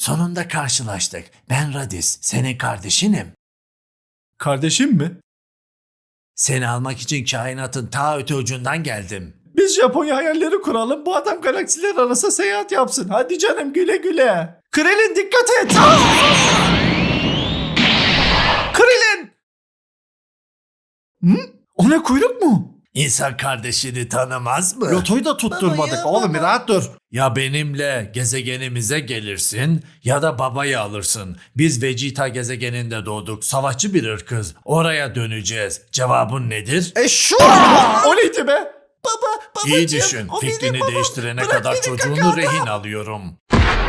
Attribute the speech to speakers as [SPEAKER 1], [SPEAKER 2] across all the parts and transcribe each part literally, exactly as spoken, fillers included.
[SPEAKER 1] sonunda karşılaştık. Ben Radis, senin kardeşinim.
[SPEAKER 2] Kardeşim mi?
[SPEAKER 1] Seni almak için kainatın ta öte ucundan geldim.
[SPEAKER 2] Biz Japonya hayalleri kuralım. Bu adam galaksiler arası seyahat yapsın. Hadi canım güle güle. Krillin dikkat et. Krillin. Hı? O ne kuyruk mu?
[SPEAKER 1] İnsan kardeşini tanımaz mı?
[SPEAKER 2] Lotoyu da tutturmadık. Oğlum bir rahat dur.
[SPEAKER 1] Ya benimle gezegenimize gelirsin ya da babayı alırsın. Biz Vegeta gezegeninde doğduk. Savaşçı bir ırkız. Oraya döneceğiz. Cevabın nedir?
[SPEAKER 2] E şu. O neydi be?
[SPEAKER 3] Baba, babacığım.
[SPEAKER 1] İyi düşün.
[SPEAKER 3] o benim
[SPEAKER 1] Fikrini
[SPEAKER 3] babam.
[SPEAKER 1] değiştirene
[SPEAKER 3] Bırak
[SPEAKER 1] kadar
[SPEAKER 3] beni
[SPEAKER 1] çocuğunu
[SPEAKER 3] kakao.
[SPEAKER 1] rehin alıyorum.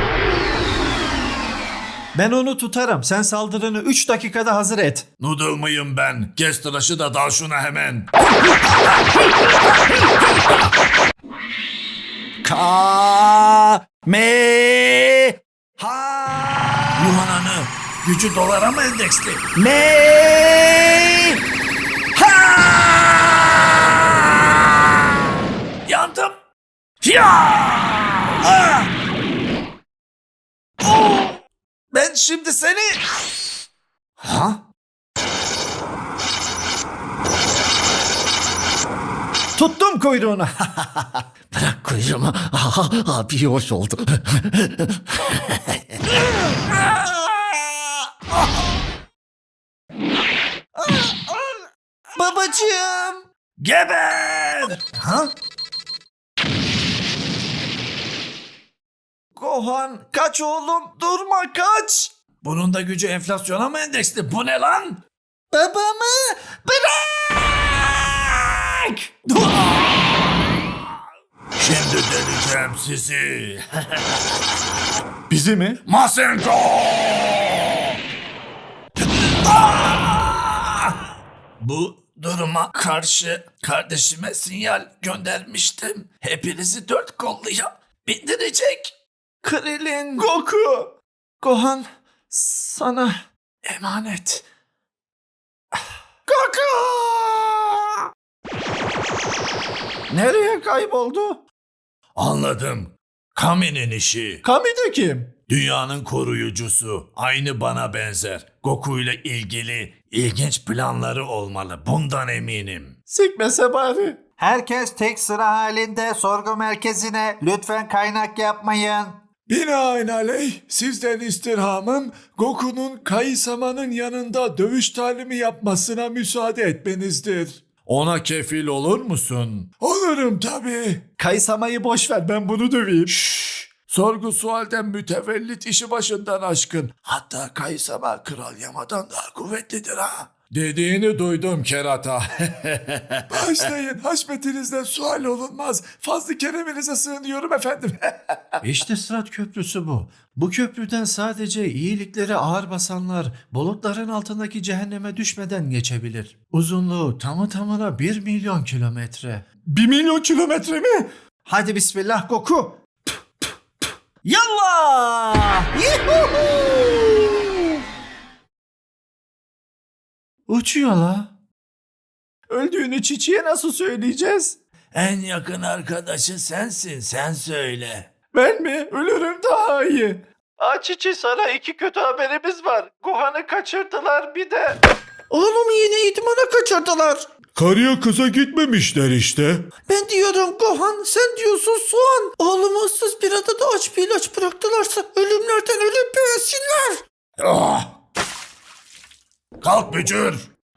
[SPEAKER 2] Ben onu tutarım. Sen saldırını üç dakikada hazır et.
[SPEAKER 1] Noodle mıyım ben? Kes tıraşı da dal şuna hemen.
[SPEAKER 2] Ka me ha
[SPEAKER 1] Yuhananı gücü dolara mı endeksli?
[SPEAKER 2] me ha.
[SPEAKER 1] Yandım. Ya! Ah! Oh! Ben şimdi seni... Ha?
[SPEAKER 2] Tuttum kuyruğunu.
[SPEAKER 3] Bırak kuyruğumu. Abi hoş oldu. Babacığım.
[SPEAKER 1] Geber! Ha?
[SPEAKER 2] Gohan kaç oğlum, durma kaç.
[SPEAKER 1] Bunun da gücü enflasyona mı endeksli? Bu ne lan?
[SPEAKER 3] Babamı bırak.
[SPEAKER 1] Şimdi deleceğim sizi.
[SPEAKER 2] Bizi mi?
[SPEAKER 1] Masenko! Bu duruma karşı kardeşime sinyal göndermiştim. Hepinizi dört kolluya bindirecek.
[SPEAKER 2] Krillin, Goku, Gohan sana
[SPEAKER 1] Emanet.
[SPEAKER 2] Goku! Nereye kayboldu?
[SPEAKER 1] Anladım. Kami'nin işi.
[SPEAKER 2] Kami de kim?
[SPEAKER 1] Dünyanın koruyucusu. Aynı bana benzer. Goku ile ilgili ilginç planları olmalı. Bundan eminim.
[SPEAKER 2] Sikmese bari.
[SPEAKER 4] Herkes tek sıra halinde sorgu merkezine. Lütfen kaynak yapmayın.
[SPEAKER 5] Binaenaleyh sizden istirhamım Goku'nun Kaisama'nın yanında dövüş talimi yapmasına müsaade etmenizdir.
[SPEAKER 1] Ona kefil olur musun?
[SPEAKER 5] Olurum tabii.
[SPEAKER 2] Kaysama'yı boş ver, ben bunu döveyim.
[SPEAKER 5] Şşş. Sorgu sualden mütevellit işi başından aşkın. Hatta Kaisama Kral Yama'dan daha kuvvetlidir ha.
[SPEAKER 1] Dediğini duydum kerata.
[SPEAKER 5] Başlayın, haşmetinizden sual olunmaz. Fazlı kereminize sığınıyorum efendim.
[SPEAKER 2] İşte Sırat Köprüsü bu. Bu köprüden sadece iyilikleri ağır basanlar bulutların altındaki cehenneme düşmeden geçebilir. Uzunluğu tamı tamına bir milyon kilometre.
[SPEAKER 5] Bir milyon kilometre mi?
[SPEAKER 2] Hadi bismillah Goku. Yallah! Yuhuhu! Uçuyor la. Öldüğünü çiçeğe nasıl söyleyeceğiz?
[SPEAKER 1] En yakın arkadaşı sensin. Sen söyle.
[SPEAKER 2] Ben mi? Ölürüm daha iyi. Aa Çiçi, sana iki kötü haberimiz var. Gohan'ı kaçırdılar bir de.
[SPEAKER 3] Oğlum yine idmana kaçırdılar.
[SPEAKER 5] Karıya kıza gitmemişler işte.
[SPEAKER 3] Ben diyorum Gohan, sen diyorsun soğan. Oğlumu ıssız bir adada aç bir ilaç bıraktılarsa ölümlerden ölüp büyüsünler.
[SPEAKER 1] Ah! Kalk bücür.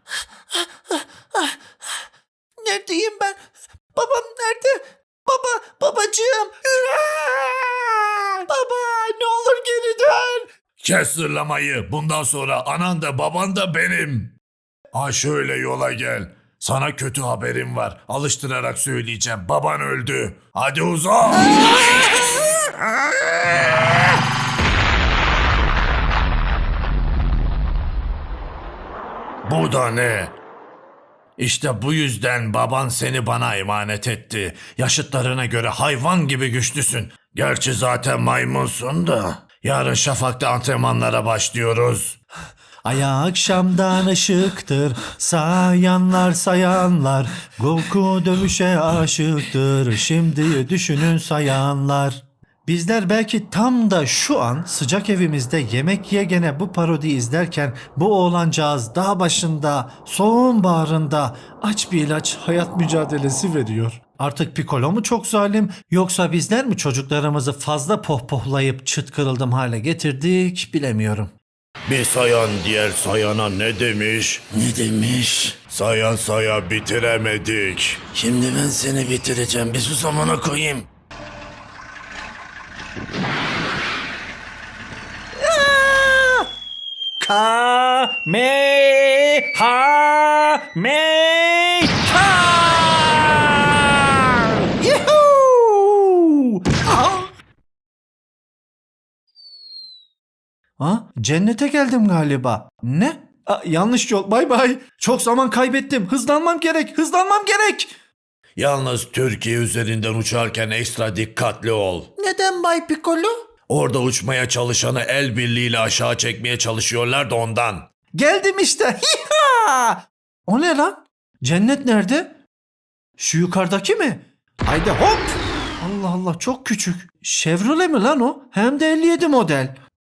[SPEAKER 3] Neredeyim ben? Babam nerede? Baba, babacığım. Baba, ne olur geri dön.
[SPEAKER 1] Kes zırlamayı. Bundan sonra anan da baban da benim. Ha şöyle yola gel. Sana kötü haberim var. Alıştırarak söyleyeceğim. Baban öldü. Hadi uzan. Bu da ne? İşte bu yüzden baban seni bana emanet etti. Yaşıtlarına göre hayvan gibi güçlüsün. Gerçi zaten maymunsun da. Yarın şafakta antrenmanlara başlıyoruz.
[SPEAKER 2] Aya akşamdan ışıktır, sayanlar sayanlar. Goku dövüşe aşıktır, şimdi düşünün sayanlar. Bizler belki tam da şu an sıcak evimizde yemek yegene bu parodiyi izlerken bu oğlancağız dağ başında, soğuğun bağrında aç bir ilaç hayat mücadelesi veriyor. Artık Piccolo mu çok zalim yoksa bizler mi çocuklarımızı fazla pohpohlayıp çıt kırıldım hale getirdik bilemiyorum.
[SPEAKER 1] Bir sayan diğer sayana ne demiş?
[SPEAKER 3] Ne demiş?
[SPEAKER 1] Saya saya bitiremedik.
[SPEAKER 3] Şimdi ben seni bitireceğim. Bir sus amına koyayım.
[SPEAKER 2] Ka me ha me ha. Yuhuu! Ha, cennete geldim galiba. Ne? Aa, yanlış yol. Bay bay. Çok zaman kaybettim. Hızlanmam gerek. Hızlanmam gerek.
[SPEAKER 1] Yalnız Türkiye üzerinden uçarken ekstra dikkatli ol.
[SPEAKER 3] Neden Bay Piccolo?
[SPEAKER 1] Orada uçmaya çalışanı el birliğiyle aşağı çekmeye çalışıyorlar da ondan.
[SPEAKER 2] Geldim işte. Hiha! O ne lan? Cennet nerede? Şu yukarıdaki mi? Haydi hop. Allah Allah çok küçük. Chevrolet mi lan o? Hem de elli yedi model.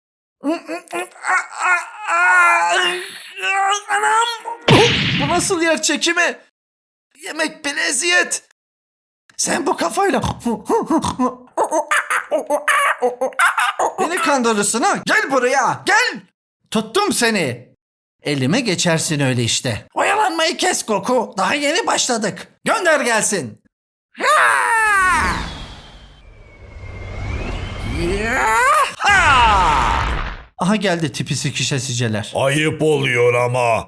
[SPEAKER 2] Anam! Bu nasıl yer çekimi? Yemek bile eziyet. Sen bu kafayla beni kandırırsın ha. Gel buraya gel. Tuttum seni. Elime geçersin öyle işte. Oyalanmayı kes Goku. Daha yeni başladık. Gönder gelsin. Aha geldi tipi sikişesiceler.
[SPEAKER 1] Ayıp oluyor ama.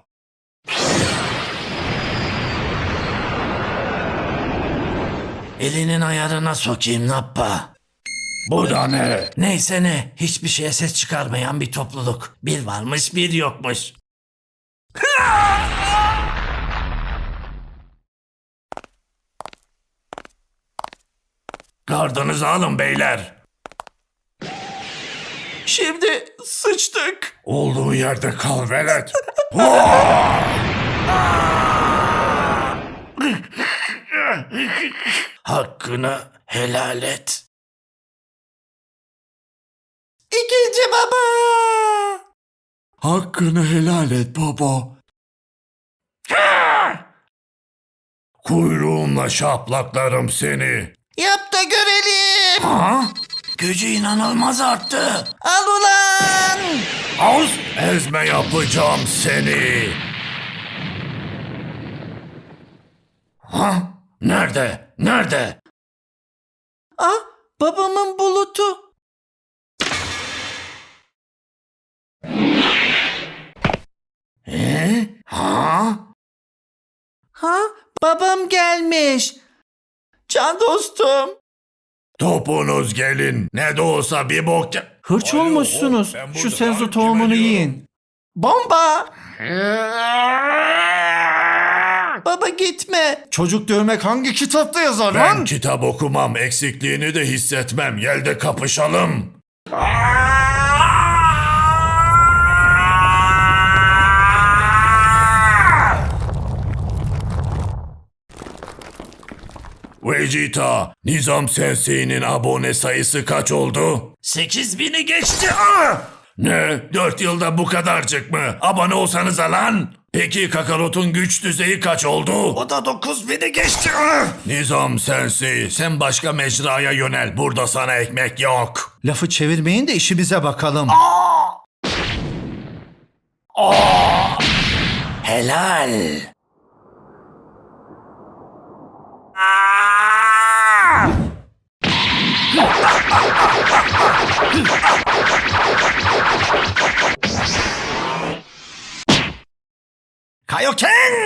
[SPEAKER 3] Elinin ayarına sokayım nappa.
[SPEAKER 1] Bu da ne?
[SPEAKER 3] Neyse ne. Hiçbir şeye ses çıkarmayan bir topluluk. Bir varmış bir yokmuş.
[SPEAKER 1] Gardınızı alın beyler.
[SPEAKER 2] Şimdi sıçtık.
[SPEAKER 1] Olduğu yerde kal velet.
[SPEAKER 3] Hakkını helal et.
[SPEAKER 2] İkinci baba.
[SPEAKER 5] Hakkını helal et baba.
[SPEAKER 1] Kuyruğumla şaplaklarım seni.
[SPEAKER 3] Yap da görelim.
[SPEAKER 1] Ha?
[SPEAKER 3] Gücü inanılmaz arttı. Al ulan.
[SPEAKER 1] Az ezme yapacağım seni. Ha? Nerede? Nerede?
[SPEAKER 2] Ah babamın bulutu.
[SPEAKER 1] Ee? Ha?
[SPEAKER 2] Ha babam gelmiş. Can dostum.
[SPEAKER 1] Topunuz gelin. Ne de olsa bir bok... ge-
[SPEAKER 2] Hırç
[SPEAKER 1] Alo,
[SPEAKER 2] olmuşsunuz.
[SPEAKER 1] ben
[SPEAKER 2] Şu
[SPEAKER 1] burada
[SPEAKER 2] senzu
[SPEAKER 1] lan,
[SPEAKER 2] tohumunu
[SPEAKER 1] kime diyorum?
[SPEAKER 2] yiyin. Bomba. Baba gitme. Çocuk dövmek hangi kitapta yazar
[SPEAKER 1] Ben
[SPEAKER 2] lan?
[SPEAKER 1] kitap okumam. Eksikliğini de hissetmem. Gel de kapışalım. Vegeta, Nizam Sensei'nin abone sayısı kaç oldu?
[SPEAKER 3] Sekiz bini geçti. Ah!
[SPEAKER 1] Ne? Dört yılda bu kadarcık mı? Abone olsanıza lan. Peki Kakarot'un güç düzeyi kaç oldu?
[SPEAKER 3] O da dokuz bini geçti. Ah!
[SPEAKER 1] Nizam Sensei, sen başka mecraya yönel. Burada sana ekmek yok.
[SPEAKER 2] Lafı çevirmeyin de işimize bakalım.
[SPEAKER 3] Helal.
[SPEAKER 2] Kaioken!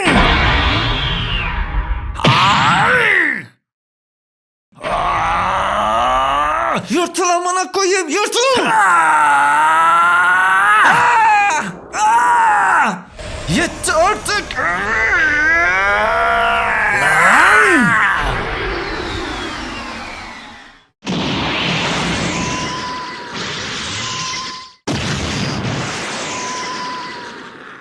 [SPEAKER 2] Yırtıl amına koyayım, yırtıl! Yetti artık!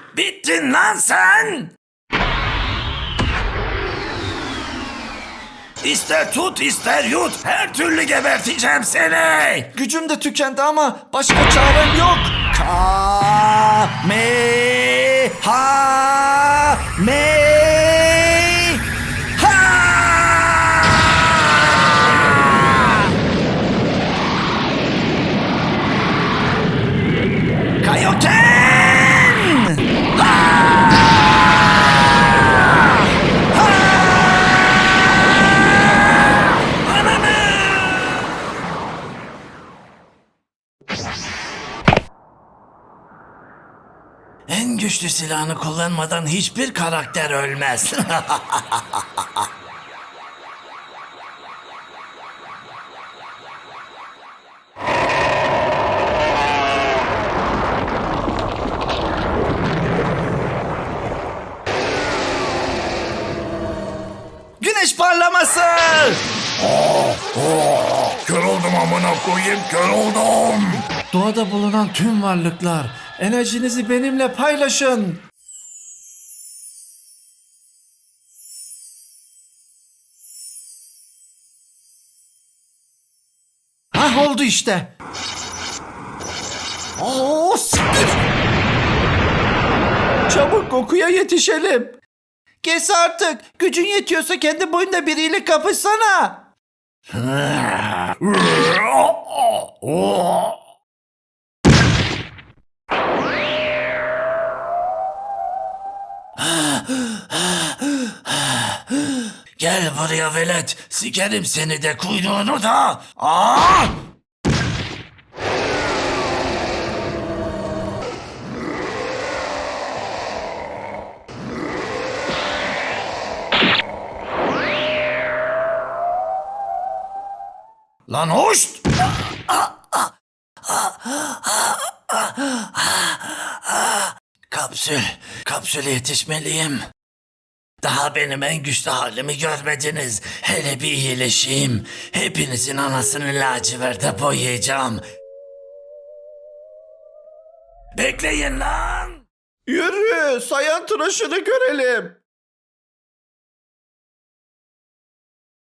[SPEAKER 3] Bittin lan sen.
[SPEAKER 1] İster tut ister yut. Her türlü geberteceğim seni.
[SPEAKER 3] Gücüm de tükendi ama başka çarem yok. Ka me ha me ha. Kaioken!
[SPEAKER 1] En güçlü silahını kullanmadan hiçbir karakter ölmez.
[SPEAKER 3] Güneş parlaması!
[SPEAKER 1] Kör oldum amına koyayım, kör oldum.
[SPEAKER 2] Doğada bulunan tüm varlıklar, enerjinizi benimle paylaşın. Hah, oldu işte.
[SPEAKER 3] Oo, siktir! Çabuk Goku'ya yetişelim. Kes artık. Gücün yetiyorsa kendi boyunda biriyle kapışsana.
[SPEAKER 1] Gel buraya velet, sikerim seni de kuyruğunu da. Aa! Lan hoş! Kapsül, kapsüle yetişmeliyim. Daha benim en güçlü halimi görmediniz. Hele bir iyileşeyim. Hepinizin anasını laciverte boyayacağım. Bekleyin lan!
[SPEAKER 3] Yürü, sayan tıraşını görelim.